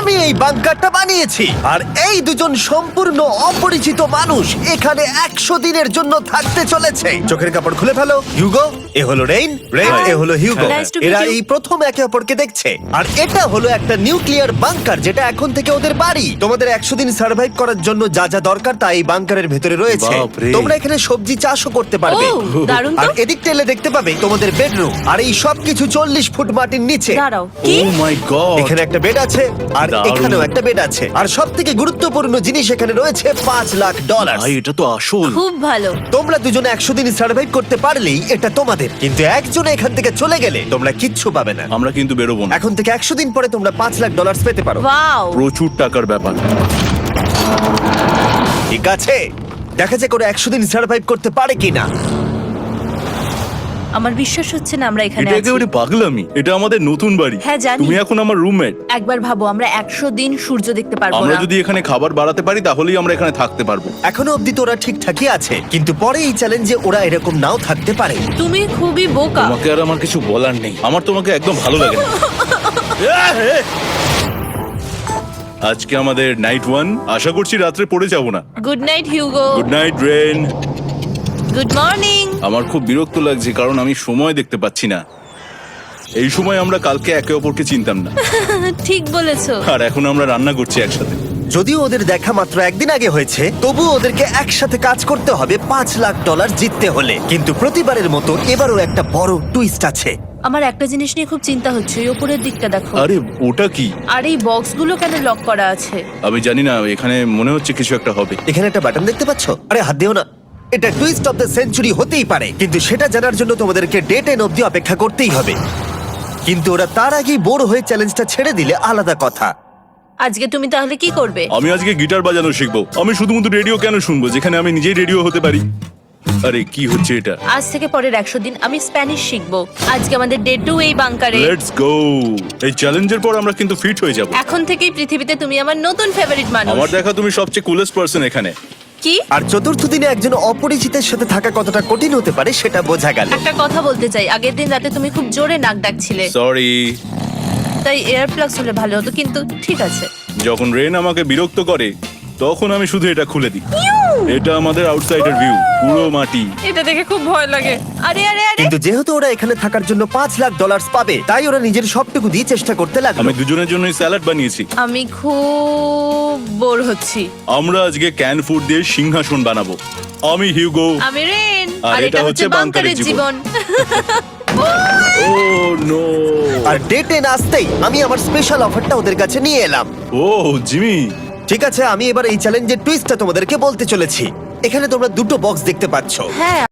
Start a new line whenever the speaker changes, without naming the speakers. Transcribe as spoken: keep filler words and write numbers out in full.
আমি এই বাংকারটা বানিয়েছি আর এই দুজন সম্পূর্ণ অপরিচিত মানুষ এখানে একশো দিনের জন্য থাকতে চলেছে। চোখের কাপড় খুলে ফেলো। হিউগো, এ হলো রেইন, রেইন এ হলো হিউগো।
Nice to meet
এরা
you.
এই প্রথম একে অপরকে দেখছে। আর এটা হলো একটা নিউক্লিয়ার বাংকার যেটা এখন থেকে ওদের বাড়ি। তোমাদের একশো দিন সার্ভাইভ করার জন্য যা যা দরকার তা এই বাংকারের ভেতরে রয়েছে।
বাপরে।
তোমরা এখানে সবজি চাষও করতে পারবে।
ও, দারুণ
আর
তো।
এদিক টেলে দেখতে পাবে তোমাদের বেডরুম। আর এই সব কিছু চল্লিশ ফুট মাটির নিচে।
দাঁড়াও, কি?
Oh my god.
এখানে একটা বেড আছে আর
দারুণ।
এখানেও একটা বেড আছে। আর সব থেকে গুরুত্বপূর্ণ জিনিস এখানে রয়েছে পাঁচ লাখ ডলার।
ভাই এটা তো আসল।
খুব ভালো।
তোমরা দুজনে একশো দিন সার্ভাইভ করতে পারলেই এটা তোমাদের, কিন্তু একজন এখান থেকে চলে গেলে তোমরা কিচ্ছু পাবে না।
আমরা কিন্তু বেরোবো না।
এখন থেকে একশো দিন পরে তোমরা পাঁচ লাখ ডলার পেতে পারো।
ওয়াও।
প্রচুর টাকার ব্যাপার।
ঠিক আছে, দেখা যাক ওরা একশো দিন সার্ভাইভ করতে পারে কিনা।
আমার বিশ্বাস হচ্ছে না আমরা এখানে
এটা
আছি।
একেবারে পাগলামি। এটা আমাদের নতুন বাড়ি।
হ্যাঁ, জানি।
তুমি এখন আমার রুমমেট।
একবার ভাবো, আমরা একশো দিন সূর্য দেখতে পারবো
আমরা
না।
যদি এখানে খাবার বাড়াতে পারি তাহলেই আমরা এখানে থাকতে পারবো।
এখনো অব্দি তো ওরা ঠিকঠাকই আছে, কিন্তু পরে এই চ্যালেঞ্জে ওরা এরকম নাও থাকতে পারে।
তুমি খুবই বোকা।
তোমাকে আর আমার কিছু বলার নেই। আমার তোমাকে একদম ভালো লাগে না। আজকে আমাদের নাইট ওয়ান। আশা করছি রাত্রে পড়ে যাব না।
Good night Hugo.
Good night Rain.
Good morning.
আমার খুব বিরক্ত লাগছে কারণ আমি সময় দেখতে পাচ্ছি না। এই সময় আমরা কালকে একে অপরকে চিনতাম না,
ঠিক বলেছো।
আর এখন আমরা রান্না করছি একসাথে।
যদিও ওদের দেখা মাত্র একদিন আগে হয়েছে, তবুও ওদেরকে একসাথে কাজ করতে হবে পাঁচ লাখ ডলার জিততে হলে। কিন্তু প্রতিবারের মতো এবারও একটা বড় টুইস্ট আছে।
আমার একটা জিনিস নিয়ে খুব চিন্তা হচ্ছে, ওই উপরের দিকটা দেখো।
আরে ওটা কি?
আর এই বক্সগুলো কেন লক করা আছে?
আমি জানি না, এখানে মনে হচ্ছে কিছু একটা হবে।
এখানে একটা বাটন দেখতে পাচ্ছ? আরে হাত দিও না। এটা টুইস্ট অফ দ্য সেঞ্চুরি হতেই পারে, কিন্তু সেটা জানার জন্য তোমাদেরকে ডে টেন অব্দি অপেক্ষা করতেই হবে। কিন্তু ওরা তার আগেই বোর হয়ে চ্যালেঞ্জটা ছেড়ে দিলে আলাদা কথা।
আজকে তুমি তাহলে কি করবে?
আমি আজকে গিটার বাজানো শিখবো। আমি শুধুমাত্র রেডিও কেন শুনবো যেখানে আমি নিজেই রেডিও হতে পারি? আরে কি হচ্ছে এটা?
আজ থেকে পরের একশো দিন আমি স্প্যানিশ শিখবো। আজকে আমাদের ডে টু এই বাংকারে।
Let's go. এই চ্যালেঞ্জের পর আমরা কিন্তু ফিট হয়ে যাব।
এখন থেকেই পৃথিবীতে তুমি আমার নতুন ফেভারিট মানুষ।
আমার দেখা তুমি সবচেয়ে কুলেস্ট পারসন এখানে।
কি?
আর চতুর্থ দিনে একজন অপরিচিতের সাথে থাকা কতটা কঠিন হতে পারে সেটা বোঝা গেল।
একটা কথা বলতে চাই, আগের দিন রাতে তুমি খুব জোরে নাক ডাকছিলে,
সরি।
তাই এয়ার প্লাগস হলে ভালো হতো, কিন্তু ঠিক আছে।
যখন রেন আমাকে বিরক্ত করে তখন আমি শুধু এটা খুলে দিই। এটা আমাদের আউটসাইডার ভিউ, পুরো মাটি।
এটা দেখে খুব ভয় লাগে। আরে আরে আরে
কিন্তু যেহেতু ওরা এখানে থাকার জন্য পাঁচ লাখ ডলার পাবে, তাই ওরা নিজের সবটুকু দিয়ে চেষ্টা করতে লাগলো।
আমি দুজনের জন্যই স্যালাড বানিয়েছি।
আমি খুব বোর হচ্ছি।
আমরা আজকে ক্যান ফুড দিয়ে সিংহাসন বানাবো। আমি হিউগো।
আমি রেন।
আর
আর
এটা
এটা হচ্ছে
হচ্ছে
বাংকারের
বাংকারের
জীবন।
Oh no.
আর ডে টেন আসতেই আমি আমার স্পেশাল অফারটা ওদের কাছে নিয়ে এলাম।
Oh Jimmy.
ঠিক আছে, আমি এবার এই চ্যালেঞ্জের টুইস্টটা তোমাদেরকে বলতে চলেছি। এখানে তোমরা দুটো বক্স দেখতে পাচ্ছ।
হ্যাঁ।